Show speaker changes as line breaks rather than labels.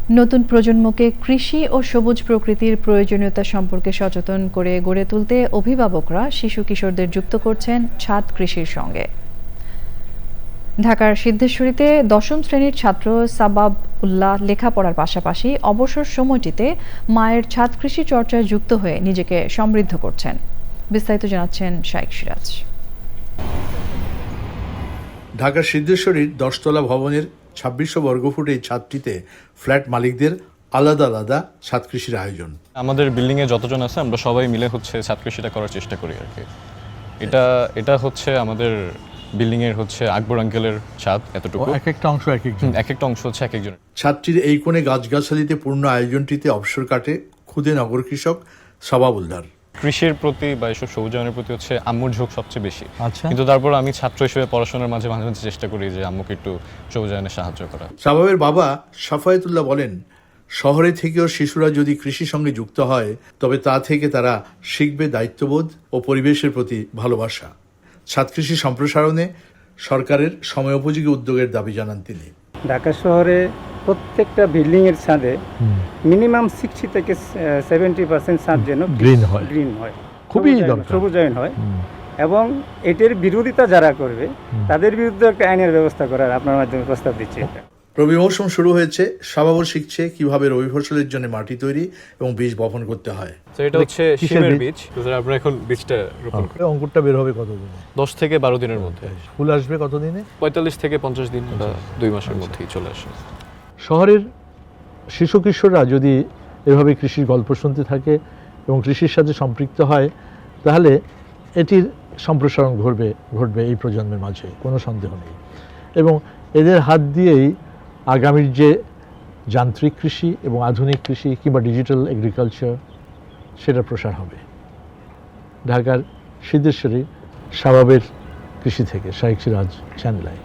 নতুন প্রজন্মকে কৃষি ও সবুজ প্রকৃতির প্রয়োজনীয়তা সম্পর্কে সচেতন করে গড়ে তুলতে অভিভাবকরা শিশু কিশোরদের যুক্ত করছেন ছাদ কৃষির সঙ্গে। ঢাকার সিদ্ধেশ্বরীতে দশম শ্রেণীর ছাত্র সাবাব উল্লাহ লেখাপড়ার পাশাপাশি অবসর সময়টিতে মায়ের ছাদ কৃষি চর্চায় যুক্ত হয়ে নিজেকে সমৃদ্ধ করছেন। বিস্তারিত জানাচ্ছেন শাইখ সিরাজ।
ঢাকার সিদ্ধেশ্বরীর 10তলা ভবনের 2600 বর্গফুট এই ছাদটিতে ফ্ল্যাট মালিকদের আলাদা আলাদা ছাদ কৃষির আয়োজন।
আমাদের বিল্ডিংয়ে যতজন আছে আমরা সবাই মিলে ছাদ কৃষিটা করার চেষ্টা করি আর কি। এটা হচ্ছে আমাদের বিল্ডিংয়ের আকবর আঙ্কেলের ছাদ। এতটুকু
এক একটা অংশ এক
একটা অংশ হচ্ছে এক একজনের।
ছাদটির এই কোণে গাছগাছালিতে পূর্ণ আয়োজনটিতে অবসর কাটে খুদে নগর কৃষক সাবাবুলদার।
কৃষির প্রতি বা এসব সবুজায়নের প্রতি আম্মুর ঝোঁক সবচেয়ে বেশি। কিন্তু তারপর আমি ছাত্র হিসেবে পড়াশোনার মাঝে মাঝে চেষ্টা করি যে আম্মুকে একটু সবুজায়নে সাহায্য করা।
সাবাবের বাবা সাফায়েতুল্লাহ বলেন, শহরে থেকেও শিশুরা যদি কৃষির সঙ্গে যুক্ত হয় তবে তা থেকে তারা শিখবে দায়িত্ববোধ ও পরিবেশের প্রতি ভালোবাসা। ছাদ কৃষি সম্প্রসারণে সরকারের সময়োপযোগী উদ্যোগের দাবি জানান তিনি।
ঢাকা শহরে প্রত্যেকটা বিল্ডিংয়ের ছাদে মিনিমাম 60 থেকে 70% ছাদ যেন গ্রিন হয়, খুবই সবুজায়ন হয়। এবং এটির বিরোধিতা যারা করবে তাদের বিরুদ্ধে একটা আইনের ব্যবস্থা করার আপনার মাধ্যমে প্রস্তাব দিচ্ছি।
রবি মৌসুম শুরু হয়েছে, সাবাবুল শিখছে কিভাবে রবি ফসলের জন্য মাটি তৈরি এবং বীজ বপন করতে হয়।
তো এটা হচ্ছে শিমের বীজ। আমরা এখন বীজটা রোপণ করি।
অঙ্কুরটা বের হবে কতদিনে?
10 থেকে 12 দিনের মধ্যে।
ফুল আসবে কতদিনে?
45 থেকে 50 দিন বা 2 মাসের মধ্যেই চলে আসে।
শহরের শিশু কিশোররা যদি এভাবে কৃষির গল্প শুনতে থাকে এবং কৃষির সাথে সম্পৃক্ত হয় তাহলে এটির সম্প্রসারণ ঘটবে এই প্রজন্মের মাঝে, কোনো সন্দেহ নেই। এবং এদের হাত দিয়েই আগামীর যে যান্ত্রিক কৃষি এবং আধুনিক কৃষি কিংবা ডিজিটাল এগ্রিকালচার সেটা প্রসার হবে। ঢাকার সিদ্ধেশ্বরী সাবাবের কৃষি থেকে শাইখ সিরাজ, চ্যানেল আই।